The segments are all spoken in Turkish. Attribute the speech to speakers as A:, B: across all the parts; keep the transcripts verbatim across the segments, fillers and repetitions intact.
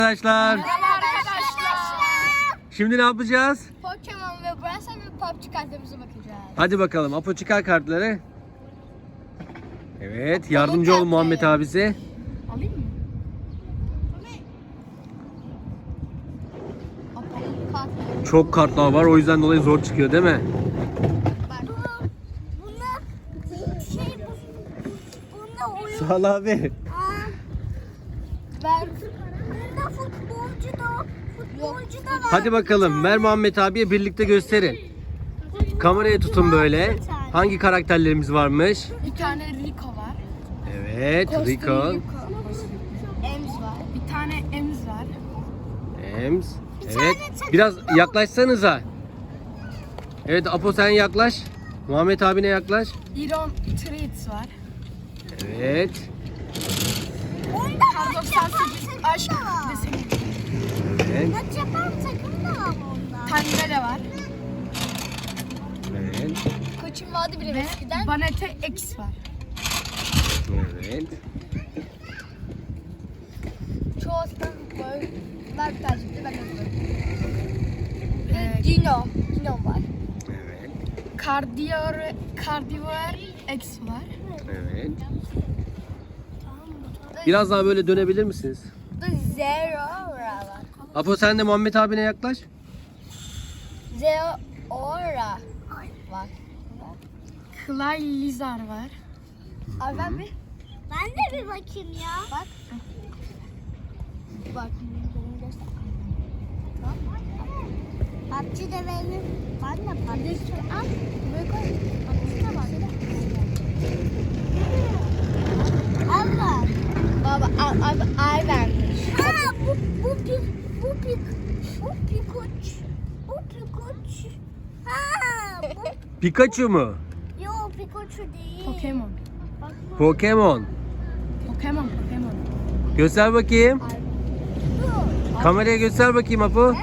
A: Arkadaşlar.
B: Merhaba arkadaşlar.
A: Şimdi ne yapacağız?
B: Pokemon ve Brawl ve P U B G kartlarımıza bakacağız.
A: Hadi bakalım. Apo çıkar kartları. Evet. Yardımcı ol
B: kartları.
A: Muhammed abisi.
B: Alayım mı? Apollo kartları.
A: Çok kartlar var. O yüzden dolayı zor çıkıyor değil mi?
B: Bak. Bunlar şey bu. Bunda oyun.
A: Sağ ol abi.
B: Ben. Bunda futbolcu da. Futbolcu da var.
A: Hadi bakalım. Ver Muhammed abiye birlikte gösterin. Kamerayı tutun böyle. Hangi karakterlerimiz varmış?
B: Bir tane Rico var.
A: Evet. Rico.
B: Ems var. Bir tane Ems var.
A: Ems. Evet. Biraz yaklaşsanıza. Evet Apo sen yaklaş. Muhammed abine yaklaş.
B: Iron Treats var.
A: Evet.
B: Kar doksan sekiz aşk deseni.
A: Evet.
B: Maç yapan takım da var onda. Tangela var.
A: Evet.
B: Koçum vardı bile eskiden. Banete X var.
A: Evet.
B: Çoğu aslında böyle ben tercihli ben de ee, Dino. Dino var.
A: Evet.
B: Cardior, Cardior X var.
A: Evet. Biraz daha böyle dönebilir misiniz?
B: Bu da Zero var.
A: Apo sen de Muhammed abine yaklaş.
B: Zero Aura var. Clay Lizard var. Abi ben bir
C: Ben de bir bakayım ya.
B: bak. Bak.
C: P U B G de benim. Ben de P U B G.
B: Al. Buraya koy. Bak. Bak.
C: Allah.
B: Baba abi ay vermiş.
C: Ha bu bu pik bu pik bu pikoç. Bu pikoç. Ha bu
A: Pikachu mu?
C: yo pikoçu değil.
B: Pokemon.
A: Pokemon.
B: Pokemon. Pokemon.
A: Göster bakayım.
C: Dur.
A: Kameraya göster bakayım Apo.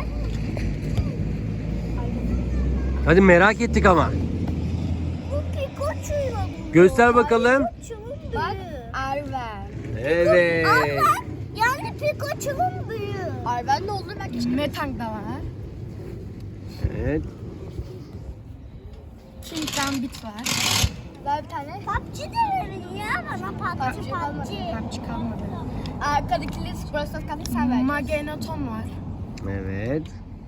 A: Hadi merak ettik ama.
C: Bu pikoçuyla bu.
A: Göster bakalım.
C: Pikoçumun
B: Bak.
C: büyüğü.
B: Arven.
A: Evet.
C: Arven yani pikoçumun büyüğü.
B: Arven ne olur belki işte. Metang da var.
A: Evet.
B: King Gambit var. Ver bir tane.
C: P U B G de verin ya bana P U B G
B: PUBG
C: P
B: kalmadı.
C: U B G.
B: PUBG kalmadı. Arkadakileri Brawl Stars kartı sen ver. Magneton var.
A: Evet.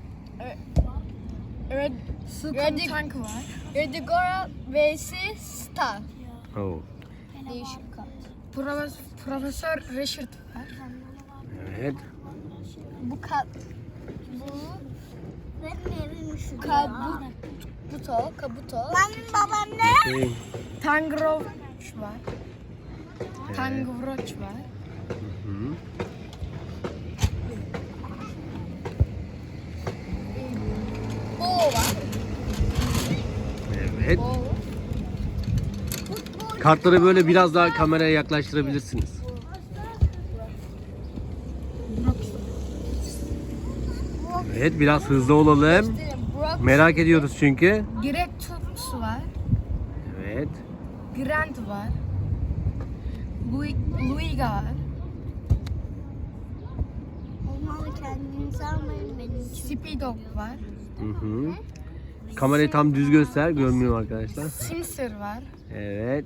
B: Red, Red Tank var. Redigora vs Star.
A: Oh.
B: Değişik kart. Profesör, Profesör Richard var.
A: Evet.
B: Bu kart. Bu
C: Benim evim şu.
B: Kabuto. Kabuto.
C: Benim babam ne?
A: Şey,
B: Tangroach var.
A: Evet.
B: Tangroach var.
A: Hı.
B: Bo var.
A: Evet.
B: Bo.
A: Kartları böyle biraz daha kameraya yaklaştırabilirsiniz. Evet biraz hızlı olalım.
B: Brock.
A: Merak ediyoruz çünkü.
B: Gretus var.
A: Evet.
B: Grant var. Louis, Luiga var.
C: Olmalı kendinizi almayın benim için.
B: Speedog var.
A: Hı hı. Kamerayı tam düz göster. Görmüyor arkadaşlar.
B: Sinsir var.
A: Evet.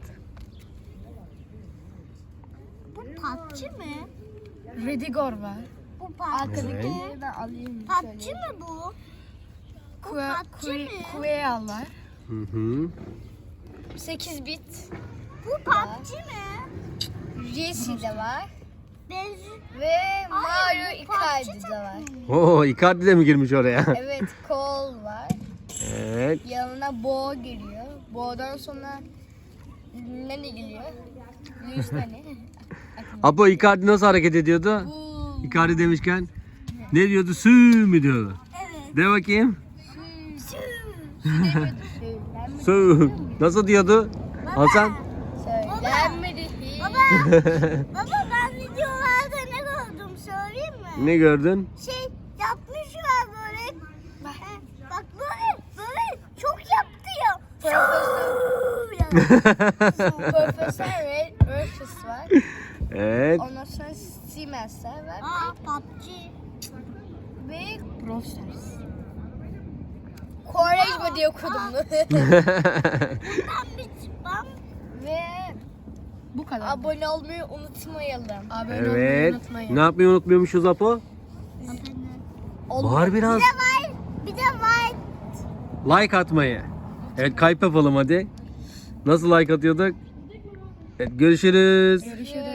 C: Bu P U B G mi?
B: Redigor var.
C: Bu P U B G.
B: Arkadakileri ben alayım.
C: P U B G mi bu?
B: Kue,
C: P U B G mi?
B: Kueal var.
A: Hı hı.
B: sekiz bit.
C: Bu P U B G mi?
B: Jesse de var.
C: Benziyor.
B: Ve
C: Hayır,
B: Mario
C: bu P U B G
B: Icardi de var.
A: Oo, Icardi de mi girmiş oraya?
B: Evet, Cole var.
A: Evet.
B: Yanına Bo geliyor. Bo'dan sonra Nani geliyor. Luis Nani.
A: Apo Icardi nasıl hareket ediyordu?
B: Bu
A: Icardi demişken ne diyordu? Sü mü diyordu?
C: Evet.
A: De bakayım.
B: Söylenmedi.
A: Sü. Nasıl diyordu? Hasan?
B: Söylenmedi.
C: Baba. Baba ben videolarda ne gördüm söyleyeyim mi?
A: Ne gördün?
C: Şey yapmışlar böyle. Bak, bak böyle böyle çok yaptı ya.
B: Profesör Red Ursus var.
A: Evet.
B: Ondan sonra Siemens'ler var.
C: Aa P U B G.
B: Brawl Stars. Quaresma diye okudum.
C: Ben bir çıkmam.
B: Ve bu kadar. Abone olmayı unutmayalım. Abone olmayı
A: Evet.
B: unutmayın.
A: Ne yapmayı unutmuyormuşuz Apo? Bağır biraz.
C: Bir de var. Bir de var.
A: Like atmayı. Evet, kalp yapalım hadi. Nasıl like atıyorduk? Evet, görüşürüz.
B: Görüşürüz.